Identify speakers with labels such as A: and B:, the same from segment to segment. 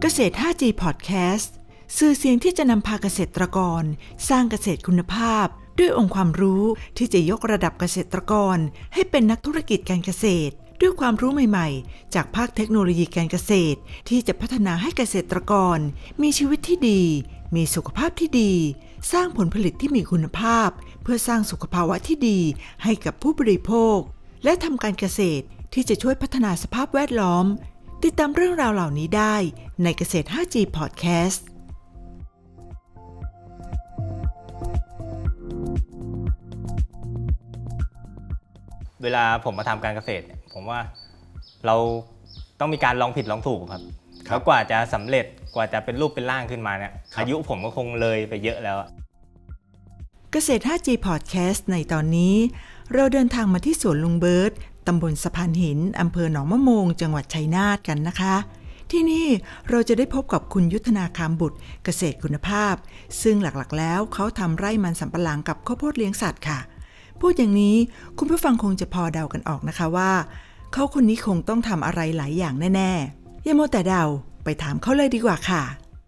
A: เกษตร 5G Podcast สื่อเสียงที่จะนำพาเกษตรกรสร้างเกษตรคุณภาพด้วยองค์ความรู้ที่จะยกระดับเกษตรกรให้เป็นนักธุรกิจการเกษตรด้วยความรู้ใหม่ๆจากภาคเทคโนโลยีการเกษตรที่จะพัฒนาให้เกษตรกรมีชีวิตที่ดีมีสุขภาพที่ดีสร้างผลผลิตที่มีคุณภาพเพื่อสร้างสุขภาวะที่ดีให้กับผู้บริโภคและทำการเกษตรที่จะช่วยพัฒนาสภาพแวดล้อมติดตามเรื่องราวเหล่านี้ได้ในเกษตร 5G Podcast
B: เวลาผมมาทำการเกษตรผมว่าเราต้องมีการลองผิดลองถูกครับแล้วกว่าจะสำเร็จกว่าจะเป็นรูปเป็นร่างขึ้นมาเนี่ยอายุผมก็คงเลยไปเยอะแล้ว
A: เกษตร 5G Podcast ในตอนนี้เราเดินทางมาที่สวนลุงเบิร์ตตำบลสะพานหินอำเภอหนองมะโมงจังหวัดชัยนาทกันนะคะที่นี่เราจะได้พบกับคุณยุทธนาคามบุตรเกษตรคุณภาพซึ่งหลักๆแล้วเขาทำไร่มันสำปะหลังกับข้าวโพดเลี้ยงสัตว์ค่ะพูดอย่างนี้คุณผู้ฟังคงจะพอเดากันออกนะคะว่าเขาคนนี้คงต้องทำอะไรหลายอย่างแน่ๆอย่ามัวแต่เดาไปถามเขาเลยดีกว่าค่ะ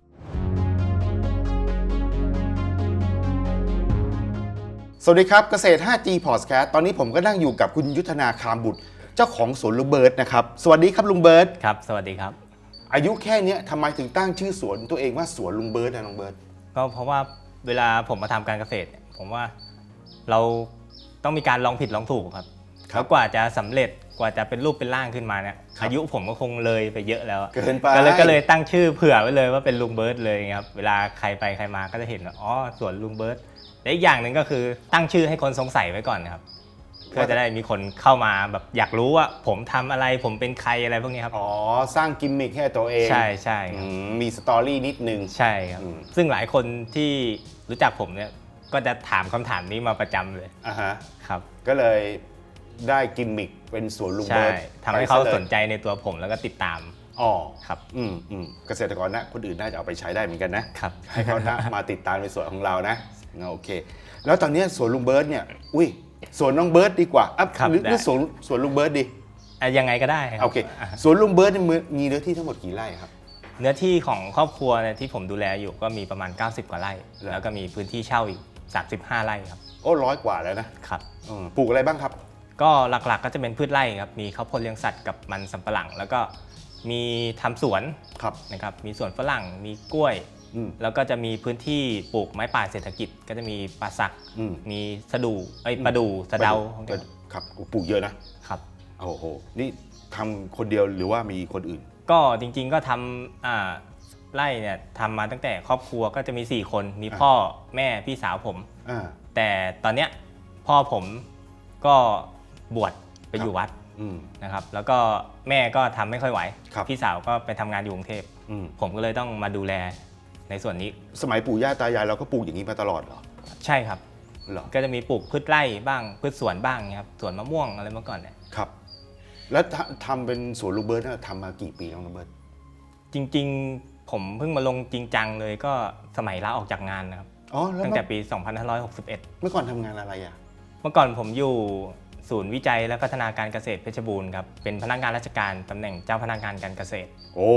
C: สวัสดีครับเกษตร 5G Podcast ตอนนี้ผมก็นั่งอยู่กับคุณยุทธนาคามบุตรเจ้าของสวนลุงเบิร์ตนะครับสวัสดีครับลุงเบิร์ต
B: ครับสวัสดีครับ
C: อายุแค่นี้ทำไมถึงตั้งชื่อสวนตัวเองว่าสวนลุงเบิร์ตนะลุงเบิร์ต
B: ก็เพราะว่าเวลาผมมาทำการเกษตรผมว่าเราต้องมีการลองผิดลองถูกครับแล้วกว่าจะสำเร็จกว่าจะเป็นรูปเป็นร่างขึ้นมาเนี่ยอายุผมก็คงเลยไปเยอะแล้ว
C: เกินไป
B: ก็เลยตั้งชื่อเผื่อไว้เลยว่าเป็นลุงเบิร์ตเลยครับเวลาใครไปใครมาก็จะเห็นว่าอ๋อสวนลุงเบิร์ตและอีกอย่างหนึ่งก็คือตั้งชื่อให้คนสงสัยไว้ก่อนนะครับเพื่อจะได้มีคนเข้ามาแบบอยากรู้ว่าผมทำอะไรผมเป็นใครอะไรพวกนี้ครับ
C: อ๋อสร้างกิมมิคให้ตัวเอง
B: ใช่ใช่
C: มีสตอรี่นิดนึง
B: ใช่ครับซึ่งหลายคนที่รู้จักผมเนี่ยก็จะถามคำถามนี้มาประจำเลยครับ
C: ก็เลยได้กิมมิคเป็นสวนลุงเบิร์ต
B: ทำให้เขาสนใจในตัวผมแล้วก็ติดตามครับ
C: เกษตรกรนะคนอื่นน่าจะเอาไปใช้ได้เหมือนกันนะครับให้เขามาติดตามในสวนของเรานะโอเคแล้วตอนนี้สวนลุงเบิร์ตเนี่ยสวนน้องเบิร์ตดีกว่าหรือสวนลุงเบิร์ตดี
B: ยังไงก็ได้
C: โอเคสวนลุงเบิร์ตมีเนื้อที่ทั้งหมดกี่ไร่ครับ
B: เนื้อที่ของครอบครัวที่ผมดูแลอยู่ก็มีประมาณ90กว่าไร่แล้วก็มีพื้นที่เช่าอีก35ไร่ครับ
C: 100 กว่าแล้วนะครับปลูกอะไรบ้างครับ
B: ก็หลักๆก็จะเป็นพืชไร่ครับมีข้าวโพดเลี้ยงสัตว์กับมันสำปะหลังแล้วก็มีทำสวนนะครับมีสวนฝรั่งมีกล้วยแล้วก็จะมีพื้นที่ปลูกไม้ป่าเศรษฐกิจก็จะมีป่าสักมีสะดูประดู่สะเดา
C: ครับปลูกเยอะนะครับโอ้โหนี่ทำคนเดียวหรือว่ามีคนอื่น
B: ก็จริงๆก็ทำไร่เนี่ยทำมาตั้งแต่ครอบครัวก็จะมี4คนมีพ่อแม่พี่สาวผมแต่ตอนเนี้ยพ่อผมก็บวชไปอยู่วัดนะครับแล้วก็แม่ก็ทำไม่ค่อยไหวพี่สาวก็ไปทำงานอยู่กรุงเทพผมก็เลยต้องมาดูแลในส่วนนี้
C: สมัยปู่ย่าตายายเราก็ปลูกอย่างนี้มาตลอดเหรอ
B: ใช่ครับก็จะมีปลูกพืชไร่บ้างพืชสวนบ้างครับสวนมะม่วงอะไรเมื่อก่อนเนี่ย
C: ครับแล้วทำเป็นสวนลุงเบิร์ตทำมากี่ปีแล้วลุงเบิร์ต
B: จริงๆผมเพิ่งมาลงจริงจังเลยก็สมัยลาออกจากงานนะครับตั้งแต่ปี2561
C: เมื่อก่อนทำงานอะไรอ่ะ
B: เมื่อก่อนผมอยู่ศูนย์วิจัยและพัฒนาการเกษตรเพชรบูรณ์ครับเป็นพนักงานราชการตำแหน่งเจ้าพนักงานการเกษตร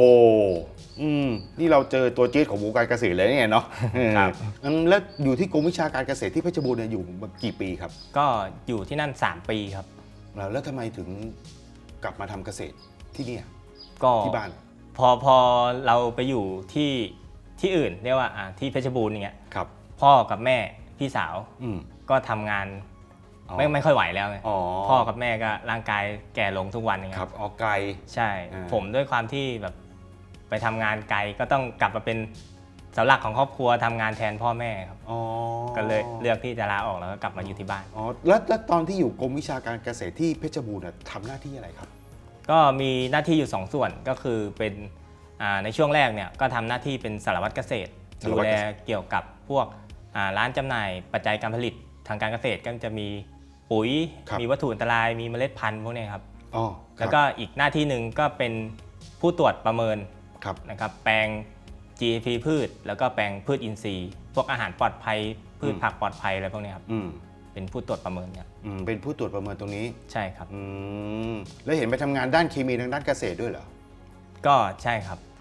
C: นี่เราเจอตัวจี๊ดของวงการเกษตรเลยเนี่ยเนาะครับแล้วอยู่ที่กรมวิชาการเกษตรที่เพชรบูรณ์เนี่ยอยู่มากี่ปีครับ
B: ก็อยู่ที่นั่น3ปีครับ
C: แล้วทำไมถึงกลับมาทำเกษตรที่นี่
B: ก็
C: ที่บ้าน
B: พอเราไปอยู่ที่อื่นเรียกว่าที่เพชรบูรณ์อย่างเงี้ยพ่อกับแม่พี่สาวก็ทำงานไม่ค่อยไหวแล้วไงพ่อกับแม่ก็ร่างกายแก่ลงทุกวันอย่างเงี้ย
C: ครับออกไกล
B: ใช่ผมด้วยความที่แบบไปทำงานไกลก็ต้องกลับมาเป็นเสาหลักของครอบครัวทำงานแทนพ่อแม่ครับก็เลยเลือกที่จะลาออกแล้วก็กลับมาอยู่ที่บ้าน
C: แล้วตอนที่อยู่กรมวิชาการเกษตรที่เพชรบูรณ์ทำหน้าที่อะไรครับ
B: ก็มีหน้าที่อยู่2ส่วนก็คือเป็นในช่วงแรกเนี่ยก็ทำหน้าที่เป็นสารวัตรเกษตรดูแลเกี่ยวกับพวกร้านจำหน่ายปัจจัยการผลิตทางการเกษตรก็จะมีปุ๋ยมีวัตถุอันตรายมีเมล็ดพันธุ์พวกนี้ครับแล้วก็อีกหน้าที่หนึ่งก็เป็นผู้ตรวจประเมินนะครับแปลง GAP พืชแล้วก็แปลงพืชอินทรีย์พวกอาหารปลอดภัยพืชผักปลอดภัยอะไรพวกนี้ครับเป็นผู้ตรวจประเมินเนี่ย
C: เป็นผู้ตรวจประเมินตรงนี้
B: ใช่ครับ
C: แล้วเห็นไปทำงานด้านเคมีทางด้านเกษตรด้วยเหรอ
B: ก็ใช่ครับ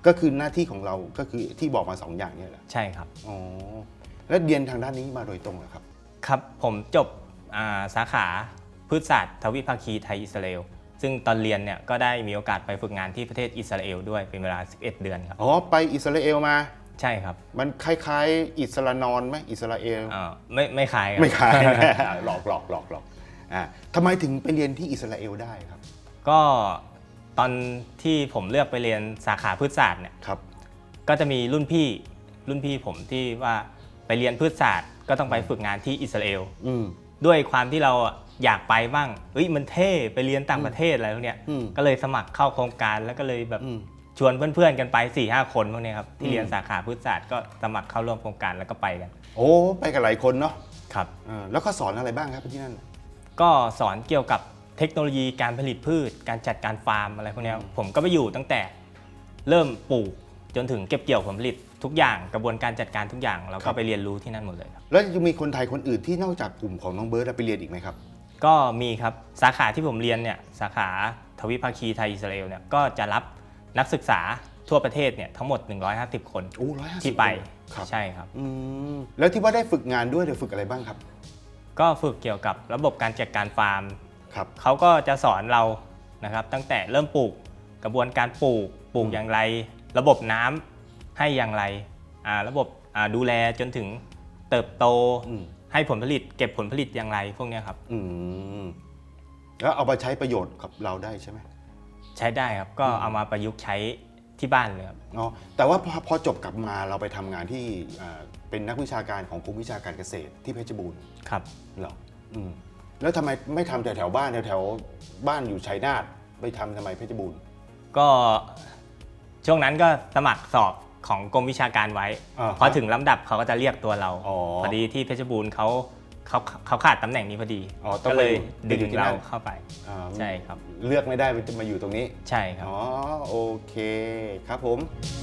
C: ก็คือหน้าที่ของเราก็คือที่บอกมา2 อย่างเนี่ยเหรอ
B: ใช่ครับ
C: อ๋อแล้วเรียนทางด้านนี้มาโดยตรงเหรอครับ
B: ครับผมจบสาขาพืชศาสตร์ทวิภาคีไทยอิสราเอลซึ่งตอนเรียนเนี่ยก็ได้มีโอกาสไปฝึกงานที่ประเทศอิสราเอลด้วยเป็นเวลา11 เดือนครับ
C: อ๋อไปอิสราเอลมา
B: ใช่ครับ
C: มันคล้ายๆอิสรานอนไหมอิสราเอล
B: ไม่ขายครับ
C: ไม่คล้าย หลอกทำไมถึงไปเรียนที่อิสราเอลได้ครับ
B: ก็ตอนที่ผมเลือกไปเรียนสาขาพืชศาสตร์เนี่ย
C: ครับ
B: ก็จะมีรุ่นพี่ผมที่ว่าไปเรียนพืชศาสตร์ก็ต้องไปฝึกงานที่อิสราเอล ด้วยความที่เราอยากไปบ้างมันเท่ไปเรียนต่างประเทศอะไรพวกเนี้ยก็เลยสมัครเข้าโครงการแล้วก็เลยแบบชวนเพื่อนๆกันไป 4-5 คนพวกนี้ครับที่เรียนสาขาพืชศาสตร์ก็สมัครเข้าร่วมโครงการแล้วก็ไปกัน
C: โอ้ไปกันหลายคนเนาะ
B: ครับ
C: แล้วก็สอนอะไรบ้างครับที่นั่น
B: ก็สอนเกี่ยวกับเทคโนโลยีการผลิตพืชการจัดการฟาร์มอะไรพวกนี้ผมก็ไปอยู่ตั้งแต่เริ่มปลูกจนถึงเก็บเกี่ยวผลผลิตทุกอย่างกระบวนการจัดการทุกอย่างเราก็ไปเรียนรู้ที่นั่นหมดเลยครับ
C: แล้วยังมีคนไทยคนอื่นที่นอกจากกลุ่มของน้องเบิร์ดไปเรียนอีกไหมครับ
B: ก็มีครับสาขาที่ผมเรียนเนี่ยสาขาทวิภาคีไทยอิสราเอลเนี่ยก็จะรับนักศึกษาทั่วประเทศเนี่ยทั้งหมด150 คน
C: โอ้150
B: ที่ไป
C: ครับ
B: ใช่ครับ
C: แล้วที่ว่าได้ฝึกงานด้วยเดี๋ยวฝึกอะไรบ้างครับ
B: ก็ฝึกเกี่ยวกับระบบการจัดการฟาร์ม
C: ครับ
B: เขาก็จะสอนเรานะครับตั้งแต่เริ่มปลูกกระบวนการปลูกอย่างไร ระบบน้ำให้อย่างไรระบบดูแลจนถึงเติบโตให้ผลผลิตเก็บผลผลิตอย่างไรพวกนี้ครับ
C: แล้วเอามาใช้ประโยชน์กับเราได้ใช่ไหม
B: ใช้ได้ครับก็เอามาประยุกต์ใช้ที่บ้านเลยครับ
C: อ๋อแต่ว่าพอจบกลับมาเราไปทำงานที่เป็นนักวิชาการของกรมวิชาการเกษตรที่เพชรบูรณ์
B: ครับ
C: เหรอแล้วทำไมไม่ทำแถวบ้านแถวบ้านอยู่ชัยนาทไปทำไมเพชรบูรณ์
B: ก็ช่วงนั้นก็สมัครสอบของกรมวิชาการไว้พอถึงลำดับเขาก็จะเรียกตัวเราพอดีที่เพชรบูรณ์เขาขาดตำแหน่งนี้พอดีก็เลยดึงเราเข้าไปใช่ครับ
C: เลือกไม่ได้จะมาอยู่ตรงนี้
B: ใช่ครับ
C: อ๋อโอเคครับผม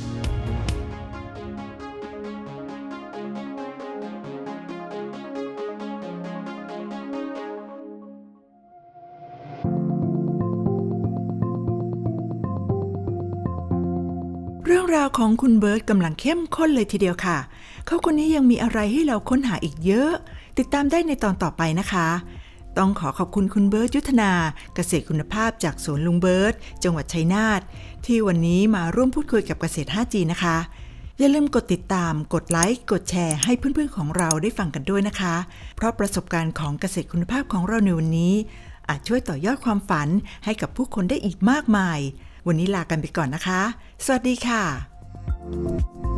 A: เรื่องราวของคุณเบิร์ตกำลังเข้มข้นเลยทีเดียวค่ะเขาคนนี้ยังมีอะไรให้เราค้นหาอีกเยอะติดตามได้ในตอนต่อไปนะคะต้องขอบคุณคุณเบิร์ตยุทธนาเกษตรคุณภาพจากสวนลุงเบิร์ตจังหวัดชัยนาทที่วันนี้มาร่วมพูดคุยกับเกษตร 5G นะคะอย่าลืมกดติดตามกดไลค์กดแชร์ให้เพื่อนๆของเราได้ฟังกันด้วยนะคะเพราะประสบการณ์ของเกษตรคุณภาพของเราในวันนี้อาจช่วยต่อยอดความฝันให้กับผู้คนได้อีกมากมายวันนี้ลากันไปก่อนนะคะสวัสดีค่ะ